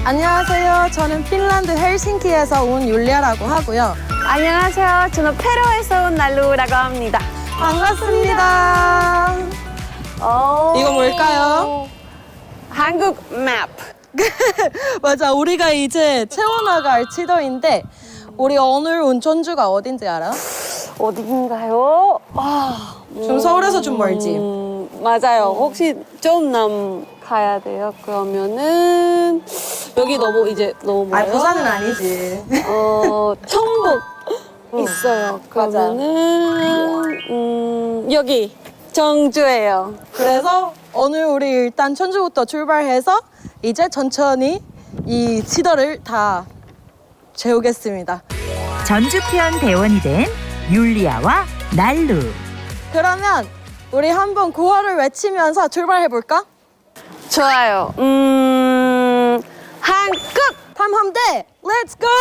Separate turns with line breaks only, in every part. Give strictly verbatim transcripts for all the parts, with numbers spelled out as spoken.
안녕하세요. 저는 핀란드 헬싱키에서 온 율리아라고 하고요.
안녕하세요. 저는 페루에서 온 날루라고 합니다.
반갑습니다.
오.
이거 뭘까요?
한국 맵.
맞아, 우리가 이제 채워나갈 지도인데 우리 오늘 온 전주가 어딘지 알아?
어딘가요? 아,
좀 서울에서 좀 멀지?
음, 맞아요. 혹시 좀 남 가야 돼요? 그러면은 여기 너무 이제 너무
아,
멀어요?
부산은 아니지.
어, 청북
응.
있어요.
맞아.
그러면은 음, 여기 정주예요.
그래서 오늘 우리 일단 전주부터 출발해서 이제 천천히 이 지도를 다 채우겠습니다.
전주편 대원이 된 율리아와 날루.
그러면 우리 한번 구호를 외치면서 출발해볼까?
좋아요. 음, 한국!
탐험대 렛츠 고!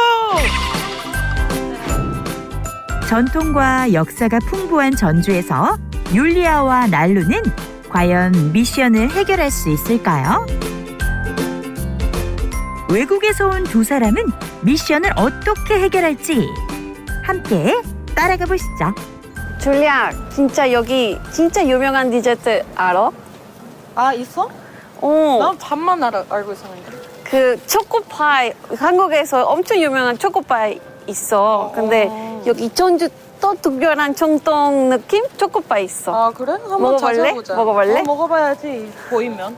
전통과 역사가 풍부한 전주에서 율리아와 날루는 과연 미션을 해결할 수 있을까요? 외국에서 온 두 사람은 미션을 어떻게 해결할지 함께 따라가 보시죠.
줄리아, 진짜 여기 진짜 유명한 디저트 알아?
아, 있어?
어,
난 반만 알아, 알고 있었는데.
그 초코파이, 한국에서 엄청 유명한 초코파이 있어. 근데
어.
여기 전주 또 특별한 정통 느낌 초코파이 있어.
아, 그래? 한번
먹어볼래?
찾아보자.
먹어볼래?
어, 먹어봐야지, 보이면.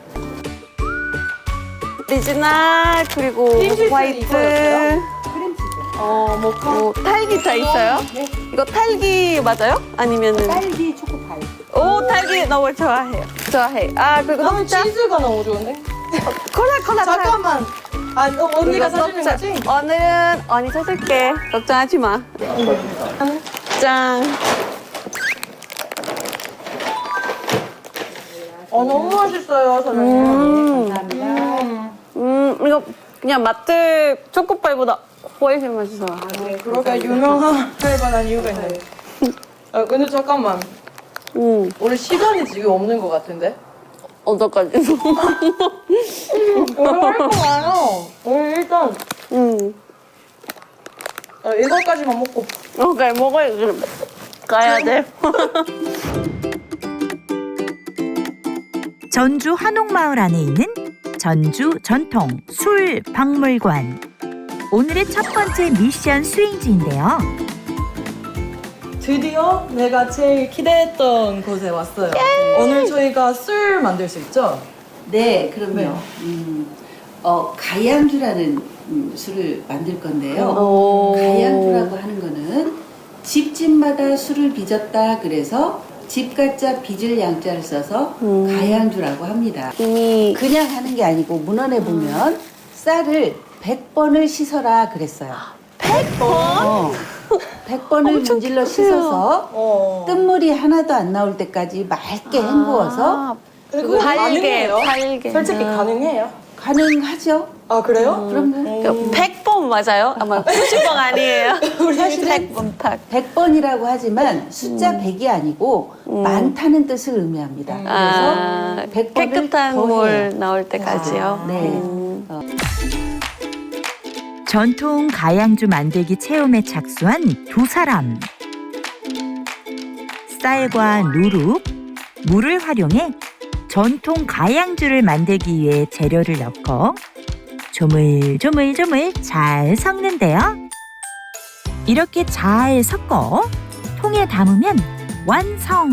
오리지널 그리고
크림치즈
화이트.
이거였어요? 어, 모카.
뭐 딸기 다 있어요?
네.
이거 딸기 맞아요? 아니면은
딸기 초코파이.
오 딸기 너무 좋아해요. 좋아해. 아 그리고
나는
녹차.
치즈가 너무 좋은데?
콜라 콜라.
잠깐만. 아, 너 언니가
이거
사주는
녹차.
거지?
오늘은 언니 사줄게. 걱정하지 마. 짠.
어, 너무 맛있어요, 사장님.
음.
음.
음 이거 그냥 마트 초코파이보다 훨씬 맛있어.
그렇게 유명한 할만한 이유가 있네. 아, 근데 잠깐만.
음
우리 시간이 지금 없는 것 같은데?
어떡하지?
우리 할거 많아. 우리 일단
음.
어, 이거까지만 먹고.
오케이 먹어야 그럼 가야 돼.
전주 한옥마을 안에 있는 전주 전통 술 박물관. 오늘의 첫 번째 미션 수행지인데요.
드디어 내가 제일 기대했던 곳에 왔어요. 오늘 저희가 술 만들 수 있죠?
네, 그럼요.
네.
음, 어, 가양주라는 음, 술을 만들 건데요.
오.
가양주라고 하는 거는 집집마다 술을 빚었다 그래서 집가자 빚을 양자를 써서
음.
가양주라고 합니다.
이미
그냥 하는 게 아니고 문헌에 보면 쌀을 백 번을 씻어라 그랬어요.
백 번?
어, 백 번을
엄청
문질러
크네요.
씻어서
어.
뜬물이 하나도 안 나올 때까지 맑게 헹구어서
그리고
발게,
가능해요?
발게.
솔직히
아.
가능해요?
가능하죠.
아, 그래요?
그럼요.
백 번 맞아요? 아마 구십 번 아니에요?
사실은
백 번 탁.
백 번이라고 하지만 숫자 백이 아니고 많다는 뜻을 의미합니다.
음.
아,
그래서 백 번을
깨끗한
더
물
해요.
나올 때까지요?
네.
음.
어.
전통 가양주 만들기 체험에 착수한 두 사람. 쌀과 누룩, 물을 활용해 전통 가양주를 만들기 위해 재료를 넣고 조물조물조물 잘 섞는데요. 이렇게 잘 섞어 통에 담으면 완성!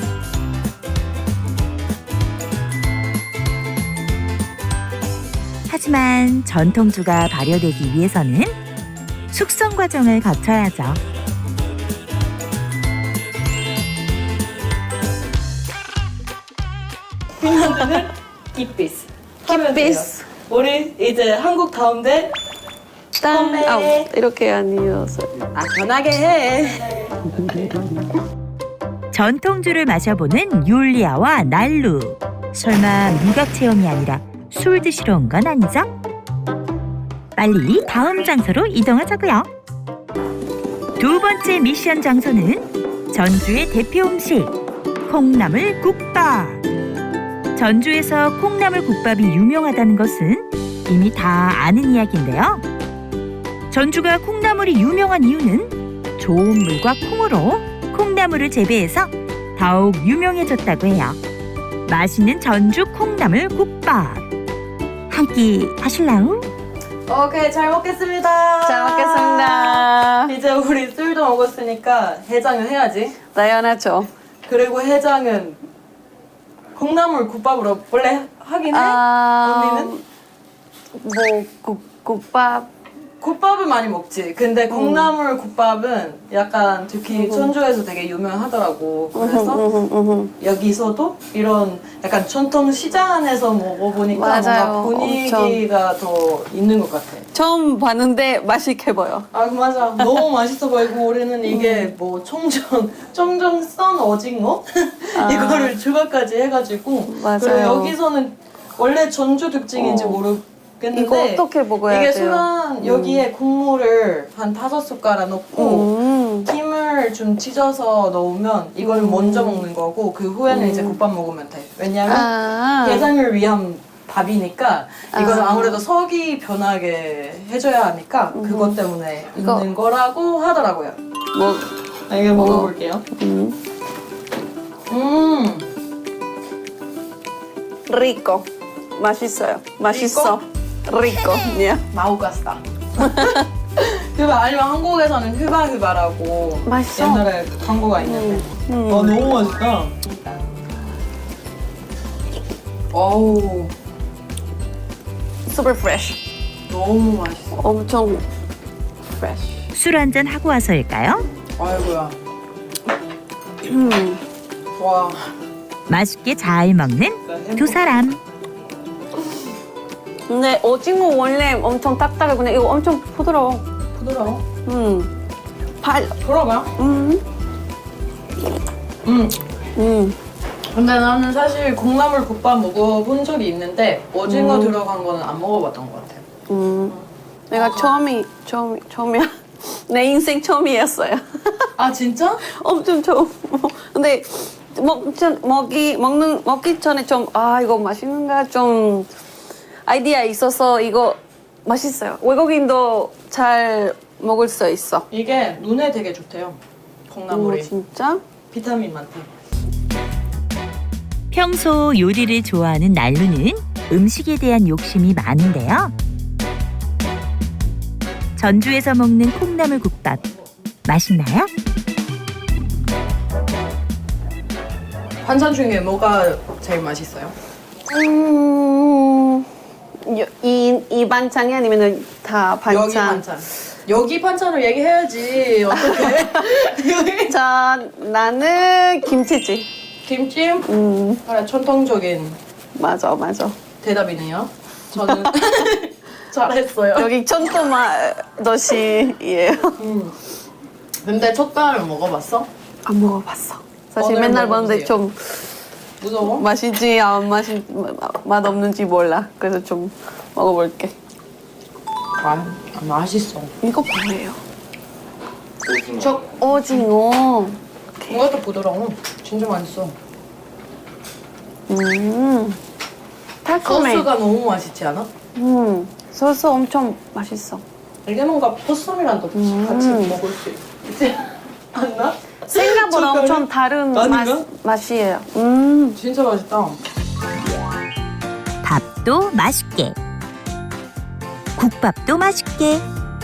하지만 전통주가 발효되기 위해서는 숙성 과정을 거쳐야죠.
핀란드는 기피스. 하면 돼요.
기피스.
우리 이제 한국 가운데
딴,
컴백.
아, 이렇게 아니어서.
아, 편하게 해.
전통주를 마셔보는 율리아와 날루. 설마 미각 체험이 아니라 술 드시러 온 건 아니죠? 빨리 다음 장소로 이동하자고요. 두 번째 미션 장소는 전주의 대표 음식 콩나물 국밥. 전주에서 콩나물 국밥이 유명하다는 것은 이미 다 아는 이야기인데요. 전주가 콩나물이 유명한 이유는 좋은 물과 콩으로 콩나물을 재배해서 더욱 유명해졌다고 해요. 맛있는 전주 콩나물 국밥. 한 끼 하실라우?
오케이, 잘 먹겠습니다.
잘 먹겠습니다.
이제 우리 술도 먹었으니까 해장을 해야지.
당연하죠.
그리고 해장은 콩나물 국밥으로 원래 하긴 해?
아,
언니는?
뭐 국, 국밥.
국밥은 많이 먹지. 근데 콩나물 국밥은 약간 특히 전주에서 되게 유명하더라고. 그래서
음흠, 음흠.
여기서도 이런 약간 전통 시장 안에서 먹어보니까
맞아요.
뭔가 분위기가 더 있는 것 같아.
처음 봤는데 맛있게 보여.
아 맞아. 너무 맛있어 보이고 우리는 이게 뭐 청정 청정 썬 오징어
아.
이거를 추가까지 해가지고
맞아요.
그리고 여기서는 원래 전주 특징인지
어.
모르겠는데
이거 어떻게 먹어야
이게
돼요?
술은 여기에 국물을 한 다섯 숟가락 넣고
음.
김을 좀 찢어서 넣으면 이걸
음.
먼저 먹는 거고 그 후에는
음.
이제 국밥 먹으면 돼. 왜냐면
아.
해장을 위한 밥이니까 이건
아.
아무래도 석이 변하게 해줘야 하니까 그것 때문에
이거.
있는 거라고 하더라고요.
뭐,
아, 이거 먹어볼게요.
음.
음,
리코. 맛있어요. 맛있어. 리코. 예.
마우가스다. 휴바 아니면 한국에서는 휴바 휴바라고
맛있어.
옛날에 광고가 있는데.
음.
아 너무 맛있다. 어우
super fresh.
너무 맛있어.
엄청 fresh.
술 한잔 하고 와서일까요?
아이고야.
음.
와.
맛있게 잘 먹는 두 사람.
근데 오징어 원래 엄청 딱딱해. 근데 이거 엄청 부드러워.
부드러워.
음. 발.
돌아가.
음.
음.
음.
근데 나는 사실 콩나물 국밥 먹어본 적이 있는데 오징어
음.
들어간 거는 안 먹어봤던 것 같아.
음. 내가 처음이 처음 처음이야. 내 인생 처음이었어요.
아 진짜?
엄청 처음. 근데 먹 전 먹기 먹는 먹기 전에 좀 아 이거 맛있는가 좀 아이디어 있어서 이거 맛있어요. 외국인도 잘 먹을 수 있어.
이게 눈에 되게 좋대요. 콩나물이.
오, 진짜?
비타민 많대.
평소 요리를 좋아하는 날루는 음식에 대한 욕심이 많은데요. 전주에서 먹는 콩나물 국밥 맛있나요?
반찬 중에 뭐가 제일 맛있어요?
음. 여- 이, 이 반찬이 아니면 다 반찬?
여기 반찬. 여기 반찬을 얘기해야지. 어떡해? 여기
자, 나는 김치찌.
김치?
음,
그래, 전통적인
맞아, 맞아.
대답이네요. 저는 잘했어요.
여기 천토마도시예요.
음. 근데 젓갈을 먹어봤어?
안 먹어봤어. 사실
오늘
맨날 봤는데
먹어보세요.
좀
무서워?
맛있지, 안 맛이 맛 없는지 몰라. 그래서 좀 먹어볼게.
아, 맛있어.
이거 뭐예요? 저 오징어.
이것도 부드러워. 진짜 맛있어.
음, 달콤해.
소스가 너무 맛있지 않아?
음, 소스 엄청 맛있어.
이게 뭔가 포스미랑도
음.
같이 먹을 수 있지 않나?
생각보다
젓갈이?
엄청 다른
아닌가?
맛, 맛이에요. 음,
진짜 맛있다.
밥도 맛있게, 국밥도 맛있게,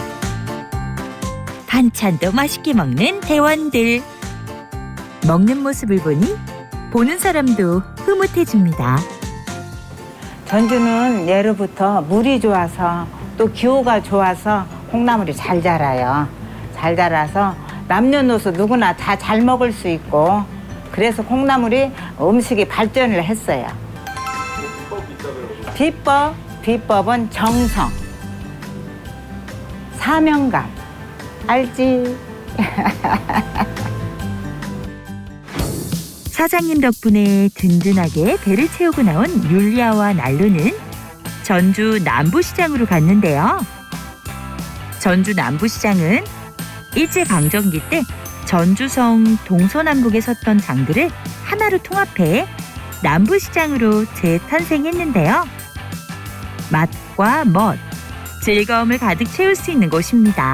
반찬도 맛있게 먹는 대원들. 먹는 모습을 보니 보는 사람도 흐뭇해집니다.
전주는 예로부터 물이 좋아서 또 기후가 좋아서 콩나물이 잘 자라요. 잘 자라서 남녀노소 누구나 다 잘 먹을 수 있고 그래서 콩나물이 음식이 발전을 했어요. 비법, 비법은 정성, 사명감, 알지?
사장님 덕분에 든든하게 배를 채우고 나온 율리아와 난로는 전주 남부시장으로 갔는데요. 전주 남부시장은 일제강점기 때 전주성 동서남북에 섰던 장들을 하나로 통합해 남부시장으로 재탄생했는데요. 맛과 맛과 멋, 즐거움을 가득 채울 수 있는 곳입니다.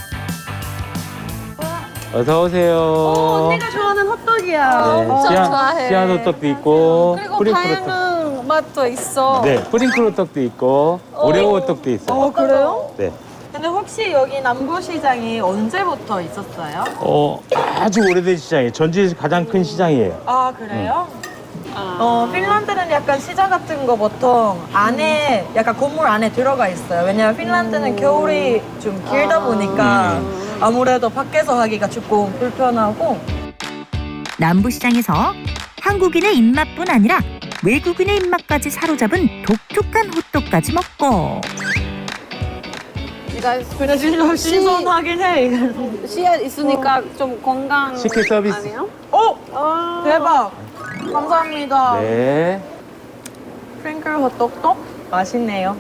어서 오세요.
어, 언니가 좋아하는 헛떡이야.
네,
엄청
씨앗,
좋아해.
씨앗 호떡도 있고,
그리고
프링클 호떡.
다양한 맛도 있어.
네, 프링클 호떡도 있고, 오레오 호떡도 있어요.
어, 그래요?
네.
근데 혹시 여기 남부시장이 언제부터 있었어요?
어, 아주 오래된 시장이에요. 전주에서 가장 큰 시장이에요.
아, 그래요? 어, 핀란드는 약간 시장 같은 거 보통 안에 약간 건물 안에 들어가 있어요. 왜냐면 핀란드는 겨울이 좀 길다 보니까 아무래도 밖에서 하기가 조금 불편하고.
남부시장에서 한국인의 입맛뿐 아니라 외국인의 입맛까지 사로잡은 독특한 호떡까지 먹고
이거
근데 진짜 신선하긴 해. 이거.
씨앗 있으니까 좀 건강
식혜 서비스.
아니에요?
어?
아.
대박. 감사합니다.
네.
프링클 호떡도 맛있네요.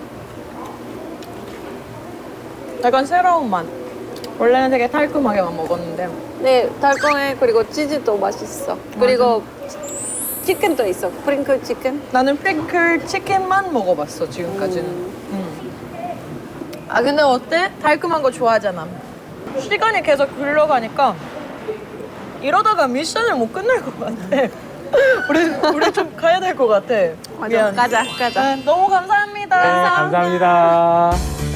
약간 새로운 맛. 원래는 되게 달콤하게만 먹었는데.
네, 달콤해. 그리고 치즈도 맛있어. 그리고 치킨도 있어. 프링클 치킨.
나는 프링클 치킨만 먹어봤어, 지금까지는. 음. 아, 근데 어때? 달콤한 거 좋아하잖아. 시간이 계속 흘러가니까 이러다가 미션을 못 끝낼 것 같아. 우리, 우리 좀 가야 될 것 같아.
맞아.
미안.
가자, 가자.
네, 너무 감사합니다.
네, 감사합니다.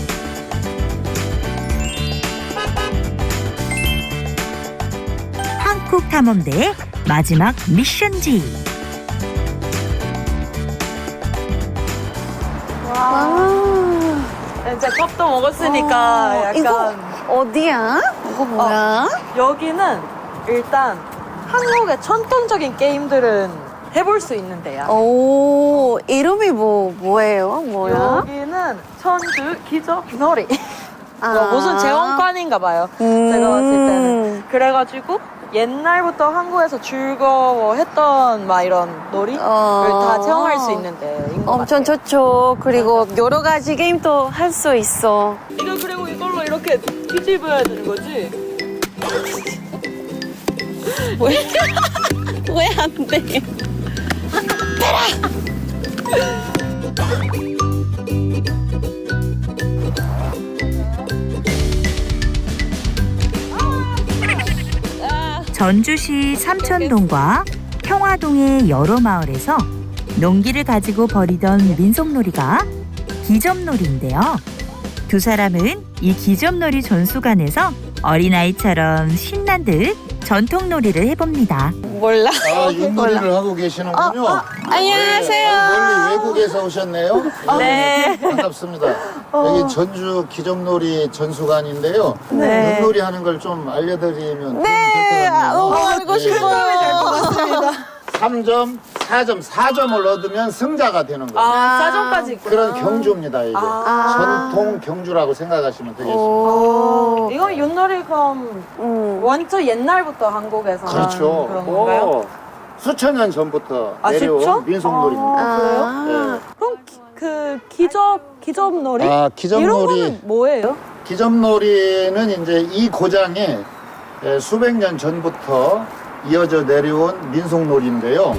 한국 탐험대의 마지막 미션지.
와.
이제 밥도 먹었으니까
어,
약간
이거 어디야? 이거 뭐야?
여기는 일단 한국의 전통적인 게임들은 해볼 수 있는데요.
오, 이름이 뭐 뭐예요? 뭐야?
여기는 천주 기적놀이.
아.
뭐 무슨 재원관인가 봐요.
음.
제가 봤을 때는. 그래가지고 옛날부터 한국에서 즐거워했던 막 이런 놀이를
어.
다 체험할 수 있는 데인 것
엄청
같아요.
좋죠. 그리고 여러 가지 게임도 할 수 있어.
이거 그리고 이걸로 이렇게 뒤집어야 되는 거지?
왜 안 돼?
전주시 삼천동과 평화동의 여러 마을에서 농기를 가지고 벌이던 민속놀이가 기점놀이인데요. 두 사람은 이 기점놀이 전수관에서 어린아이처럼 신난 듯 전통놀이를 해봅니다.
몰라.
아, 윷놀이를 하고 계시는군요.
어, 안녕하세요.
멀리 외국에서 오셨네요.
네.
반갑습니다. 여기 전주 기점놀이 전수관인데요.
네.
윷놀이 하는 걸 좀 알려드리면
네,
도움이
너무
될것
알고
같네요.
싶어요.
삼 점, 사 점, 사 점을 얻으면 승자가 되는 거예요.
아, 사전까지 있구나.
그런 경주입니다, 이게.
아.
전통 경주라고 생각하시면 되겠습니다.
오.
이건 윷놀이 그럼
음.
완전 옛날부터 한국에서
그렇죠.
그런 건가요?
오, 수천 년 전부터
아,
내려온
진짜?
민속놀이입니다.
아, 그래요?
아.
그럼 기, 그 기접 기접놀이?
아,
이런
기점놀이.
거는 뭐예요?
기점놀이는 이제 이 고장에 에, 수백 년 전부터 이어져 내려온 민속놀이인데요.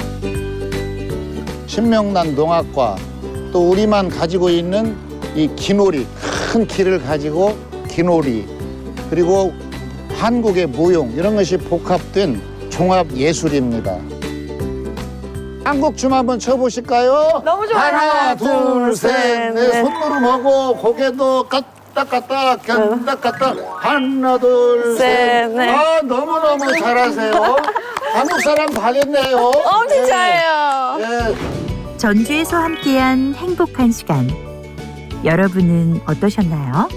신명난 농악과 또 우리만 가지고 있는 이 기놀이, 큰 기를 가지고 기놀이, 그리고 한국의 무용 이런 것이 복합된 종합 예술입니다. 한국 춤 한번 춰보실까요?
너무 좋아요.
하나, 둘, 셋,
셋,
넷.
넷.
손으로 먹고 고개도 까딱까딱, 견딱까딱. 하나, 둘,
셋,
셋.
넷.
아, 너무너무 잘하세요. 한국 사람 다 됐네요.
엄청 잘해요.
예.
전주에서 함께한 행복한 시간. 여러분은 어떠셨나요?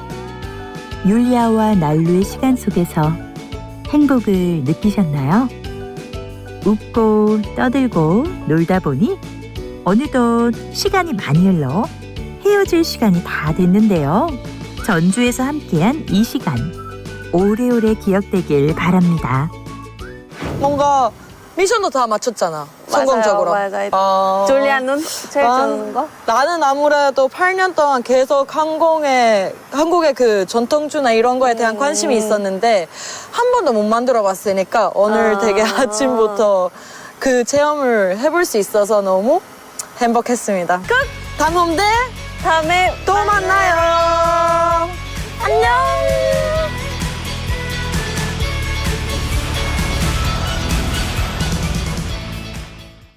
율리아와 난루의 시간 속에서 행복을 느끼셨나요? 웃고 떠들고 놀다 보니 어느덧 시간이 많이 흘러 헤어질 시간이 다 됐는데요. 전주에서 함께한 이 시간 오래오래 기억되길 바랍니다.
뭔가 미션도 다 맞췄잖아. 성공적으로.
맞아요, 맞아요.
어...
졸리아는 제일
난-
좋은 거?
나는 아무래도 팔 년 동안 계속 항공에 한국의 그 전통주나 이런 거에 대한 관심이 있었는데 한 번도 못 만들어 봤으니까 오늘
아.
되게 아침부터 그 체험을 해볼 수 있어서 너무 행복했습니다. 끝! 탐험대
다음에
또 만나요.